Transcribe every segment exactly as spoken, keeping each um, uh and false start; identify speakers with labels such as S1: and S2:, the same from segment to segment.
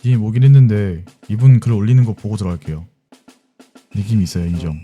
S1: 님 오긴 했는데 이분 글 올리는 거 보고 들어갈게요. 느낌이 있어요. 인정.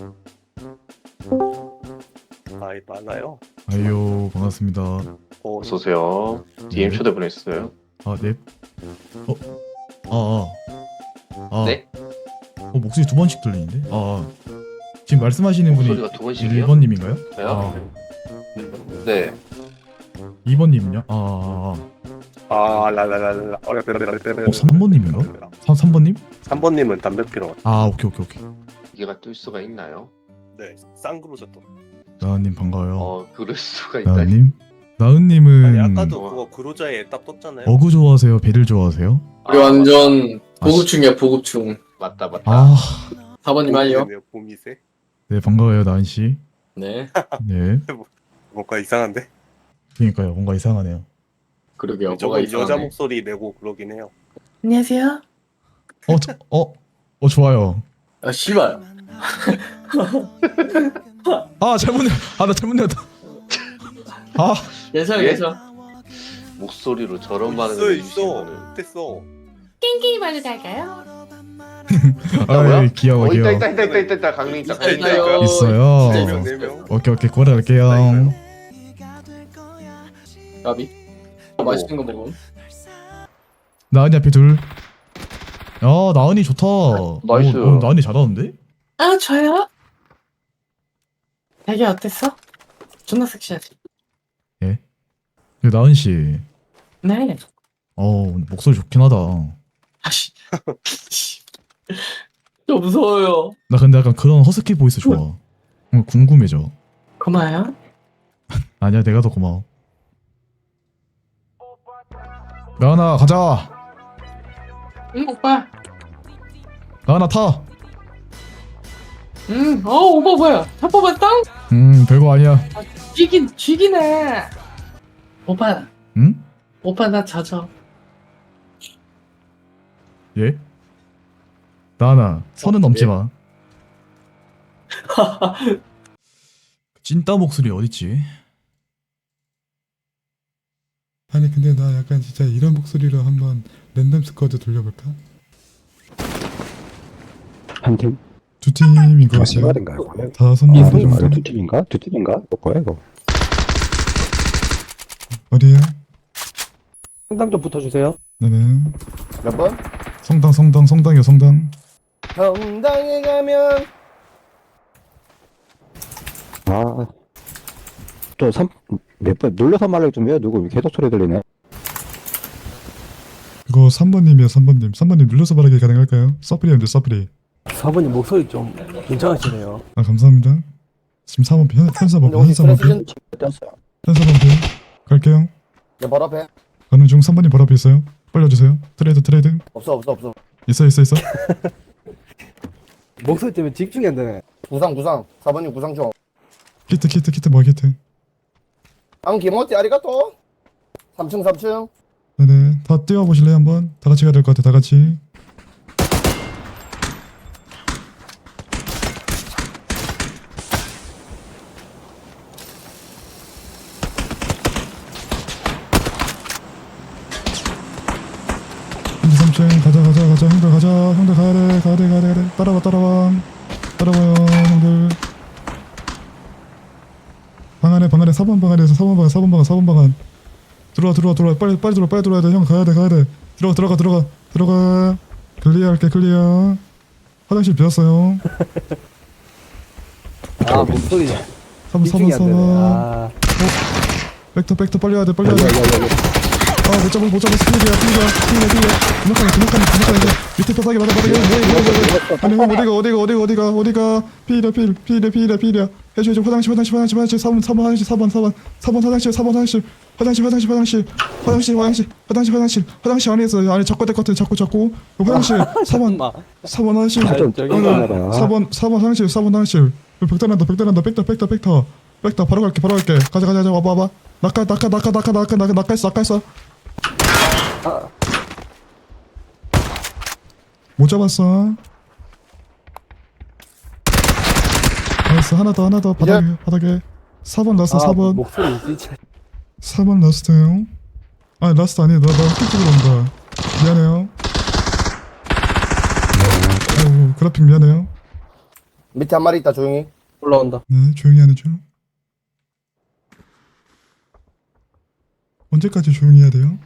S2: 아이 많아요.
S1: 아이요 반갑습니다.
S2: 어,
S3: 어서오세요. 디엠
S1: 네.
S3: 초대 보냈어요.
S1: 아 네. 어? 아 아. 아.
S3: 네?
S1: 어 목소리 두 번씩 들리는데? 아, 아. 지금 말씀하시는 분이
S3: 목소리가 두 번씩이요?
S1: 일 번님인가요?
S3: 저요?
S1: 아
S3: 네.
S1: 이 번님은요? 아, 아,
S2: 아 라라라라.
S1: 어 삼 번님인가? 삼, 삼 번님?
S2: 삼 번님은 담배 피러.
S1: 아 오케이 오케이 오케이.
S3: 이게가 뜰 수가 있나요?
S2: 네, 쌍그루죠 또.
S1: 나은님 반가워요.
S3: 어, 그럴 수가 있다니.
S1: 나은님? 나은님은
S2: 아니 아까도 그거 그로자에 딱 떴잖아요.
S1: 어구 좋아하세요? 배를 좋아하세요?
S3: 아,
S4: 우리 완전
S1: 아,
S4: 보급충이야 보급충.
S3: 맞다, 맞다.
S1: 아,
S4: 사 번님 할요?
S2: 봄이세?
S1: 네 반가워요 나은 씨.
S4: 네.
S1: 네.
S2: 뭔가 이상한데?
S1: 그러니까요 뭔가 이상하네요.
S4: 그러게요. 뭐가
S2: 저건
S4: 이상하네.
S2: 여자 목소리 내고 그러긴 해요.
S4: 안녕하세요.
S1: 어, 저, 어, 어 좋아요.
S4: 아 씨발.
S1: 아 잘못 내, 아나 잘못 내었다. 아,
S4: 괜찮아
S3: 예?
S4: 괜찮아.
S3: 목소리로 저런
S2: 있어
S3: 반응을
S2: 있어.
S3: 해주시면은.
S2: 됐어.
S5: 깽깽이말로 갈까요?
S3: 있다고요?
S1: 아 귀여워
S3: 어, 있다,
S1: 귀여워.
S3: 있다, 있다, 있다, 있다, 있다. 강릉 있다. 강릉 있다.
S4: 있어요.
S1: 있어요.
S4: 진짜
S2: 네 명,
S4: 있어.
S2: 네 명.
S1: 오케이 오케이 고려할게요.
S4: 까비. 어, 맛있는 거 먹음.
S1: 나은이 앞에 둘. 야 나은이 좋다.
S3: 나이스.
S1: 오, 오, 나은이 잘하는데?
S5: 아 저요? 되게 어땠어? 존나 섹시하지?
S1: 그 나은 씨.
S5: 네.
S1: 어 목소리 좋긴 하다.
S5: 아씨.
S4: 저 무서워요.
S1: 나 근데 약간 그런 허스키 보이스 좋아. 어, 궁금해져.
S5: 고마워요.
S1: 아니야 내가 더 고마워. 나은아 가자.
S5: 응 오빠.
S1: 나은아 타.
S5: 응. 어 오빠 뭐야? 차 뽑았어?
S1: 음 별거 아니야.
S5: 쥐긴 쥐기네. 오빠.
S1: 응?
S5: 오빠 나 젖어.
S1: 예? 나은아 선은 넘지 마. 찐따 목소리 어딨지?
S6: 아니 근데 나 약간 진짜 이런 목소리로 한번 랜덤 스쿼드 돌려볼까?
S7: 한 팀?
S6: 두 팀인 것
S7: 아,
S6: 같아요.
S7: 시발인가요? 과연?
S6: 다섯
S7: 아,
S6: 명
S7: 두 팀인가?
S6: 정도?
S7: 두 팀인가? 두 팀인가? 뭐야 이거?
S6: 어디에요?
S7: 상당 좀 붙어주세요.
S6: 나는
S7: 몇 번?
S6: 성당 성당 성당이요 성당.
S7: 성당에 가면 아, 또 삼 몇 번 눌러서 말을 좀 해요. 누구 계속 소리 들리네.
S6: 그거 삼 번님이요 삼 번님. 삼 번님 눌러서 말하기 가능할까요? 서프리인데 서프리.
S8: 사 번님 목소리 좀 괜찮으시네요.
S6: 아 감사합니다. 지금 사 번 편, 편사번
S7: 근데
S6: 편,
S7: 혹시
S6: 편사번 편,
S7: 프레시즌 떴어요.
S6: 편사번 편. 갈게요.
S7: 내 바로 앞에
S6: 가는 중 삼 번님 바로 앞에 있어요. 빨리 와주세요. 트레이드 트레이드.
S7: 없어 없어 없어.
S6: 있어 있어 있어.
S8: 목소리 때문에 집중이 안 되네.
S7: 구상 구상. 사 번님 구상 좀.
S6: 키트 키트 키트 뭐 키트.
S7: 안 기모찌 아리가또. 삼 층 삼 층.
S6: 네네. 다 뛰어보실래요 한번? 다 같이 가야 될 것 같아. 다 같이. 근데 삼 층 가자 가자 가자 형들 가자 형들 가야 돼 가야 돼 가야 돼 가야 돼. 따라와 따라와 따라와요 형들. 방 안에 방 안에 사 번 방 안에서 사 번 방 사 번 방 사 번 방안 들어와 들어와 들어와 빨리 빨리 들어와 빨리 들어와야 돼형 가야 돼 가야 돼 들어가 들어가 들어가 들어가 클리어 할게 클리어. 화장실 비었어요.
S8: 아 목소리
S6: 사 번 사
S8: 집중이
S6: 번
S8: 안
S6: 사
S8: 되네.
S6: 번
S8: 아
S6: 백터 백터 빨리 와야 돼 빨리 와야 돼. 아못 잡아 못 잡아 스피드야 스피드야 스피드야 스피드야 주먹하네 주먹하네 주먹하네 밑에 바닥에 바닥에 바닥에 아니 형 어디가 어디가 어디가 어디가 어디가 피이랴 피이랴 피이랴 피이랴 피이랴 해줘 해줘 화장실 화장실 화장실 화장실 사 번 사 번 화장실 사 번 사 번 사 번 화장실 사 번 화장실 화장실 화장실 화장실 화장실 화장실 화장실 화장실 화장실 안에 있어 안에 잡고 될 것 같아 잡고 잡고 화장실 사 번 사 번 화장실
S7: 좀 쫄깃하나
S6: 사 번 사 번 화장실 사 번 화장실 벽단한다 벽단한다 백터 백터 백터 백터 바로 갈게 바로 갈게 가자 가자 가자 와봐 와봐 낙하 낙하 낙하 낙하 낙하 낙하 낙하했어 낙하했어 못 잡았어. 나이스 하나 더 하나 더 바닥에 바닥에 사 번 라스트
S8: 아,
S6: 사 번
S8: 목소리 진짜
S6: 사 번 라스트요. 아 라스트 아니에요. 나나 흑기 찍으러 온다. 미안해요. 블러핑 미안해요.
S8: 밑에 한 마리 있다 조용히.
S4: 올라온다.
S6: 네, 조용히 하는 중. 언제까지 조용히 해야 돼요?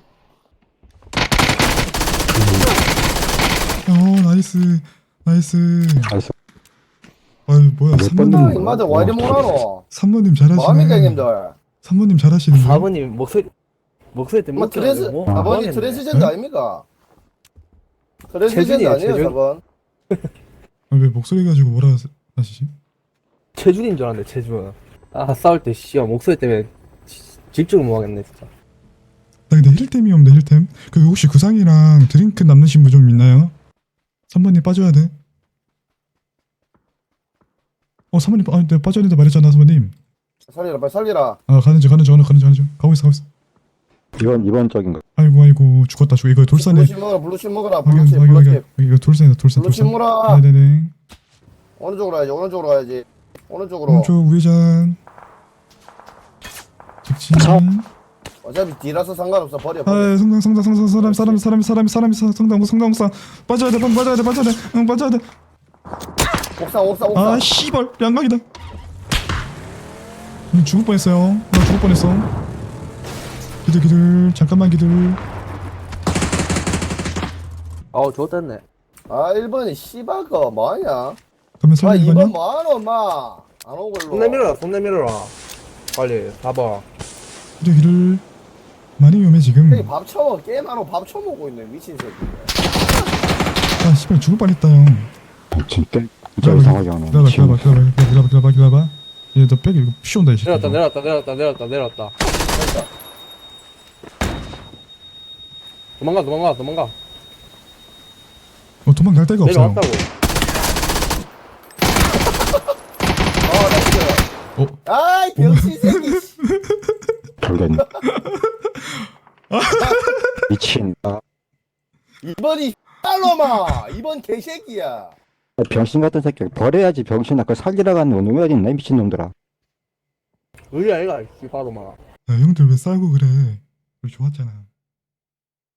S6: 어, 나이스, 나이스.
S7: 나이스.
S6: 아유, 뭐야,
S7: 몇
S6: 삼모님,
S7: 번을-
S8: 인마들 와 이리 못하노?
S6: 삼모님
S8: 뭐합니까
S6: 잘하시네.
S8: 형님들?
S6: 삼모님 잘하시는데.
S8: 사부님 목소리 목소리 때문에
S3: 뭐 트레스
S8: 뭐,
S3: 아버지
S8: 뭐 하겠네.
S3: 트랜스젠더
S6: 네?
S3: 아닙니까? 트랜스젠더
S8: 체준이에요,
S3: 아니에요
S8: 체준.
S3: 저건?
S6: 아, 왜 목소리 가지고 뭐라 하시- 하시지?
S8: 체준인 줄 알았는데 체준. 아 싸울 때 씨야 목소리 때문에 지- 집중을 못 하겠네 진짜.
S6: 나 근데 힐템이 없네, 힐템. 그 혹시 구상이랑 드링크 남으신 분 좀 있나요? 삼번님 빠져야 돼. 어, 삼번님, 아, 내가 빠져야 된다 말했잖아, 삼번님.
S3: 살리라 빨리 살리라.
S6: 아, 가는 중, 가는 중, 가는 중, 가는 중. 가고 있어, 가고 있어.
S7: 이번 이번적인 거.
S6: 아이고, 아이고, 죽었다, 죽어. 이거 돌산에.
S3: 블루칩 먹어라 블루칩 먹어라
S6: 확인,
S3: 블루칩
S6: 확인, 확인.
S3: 블루칩
S6: 이거 돌산이다, 돌산,
S3: 블루칩
S6: 돌산.
S3: 먹어라.
S6: 네네네.
S3: 어느 쪽으로 가야지 오른쪽으로 가야지. 오른쪽으로.
S6: 오른쪽 우회전. 직진.
S3: 어차피 뒤라서 상관없어 버려. 버려.
S6: 아, 성당, 성당, 성당, 사람, 사람, 사람, 사람, 사람, 성당, 성당, 성당. 빠져야 돼, 빠져야 돼, 빠져야 돼. 응, 빠져야 돼.
S3: 옥상 옥상 옥상.
S6: 아, 씨발, 양각이다. 음, 죽을 뻔했어요. 나 죽을 뻔했어. 기들, 기들, 잠깐만 기들.
S8: 아우 좋댔네.
S3: 아 일 번이 씨바거 뭐하냐?
S6: 그러면
S3: 아
S6: 설명
S3: 이
S6: 이번요?
S3: 번 뭐하노 엄마. 안 오고 일로.
S8: 손 내밀어라 손 내밀어라. 빨리 봐봐.
S6: 기들, 기들. 많이 위험해 지금.
S3: 형이 밥 처먹어 게임하러 밥 처먹고 있네 미친 새끼.
S6: 아, 씨발 죽을 뻔했다 형.
S7: 진짜 진짜 이상하게 하네.
S6: 기다려봐, 기다려봐, 기다려봐, 기다려봐, 기다려봐, 기다려봐. 얘 너 백이 이거 피 온다 이 새끼.
S8: 내렸다 내렸다 내렸다 내렸다 내렸다. 도망가 도망가 도망가.
S6: 어, 도망갈 데가 없어요.
S8: 내려왔다고.
S3: 어 나이스.
S6: 어,
S3: 아이 병신 새끼.
S7: 결국엔 미친. 아,
S3: 이번이 딸로마 이번 개새끼야.
S7: 병신 같은 새끼 버려야지 병신아. 그걸 살리러 가는 놈이 어디 있나 이 미친 놈들아.
S8: 의리 아이가 씨바로마.
S6: 야, 형들 왜 싸우고 그래? 우리 좋았잖아.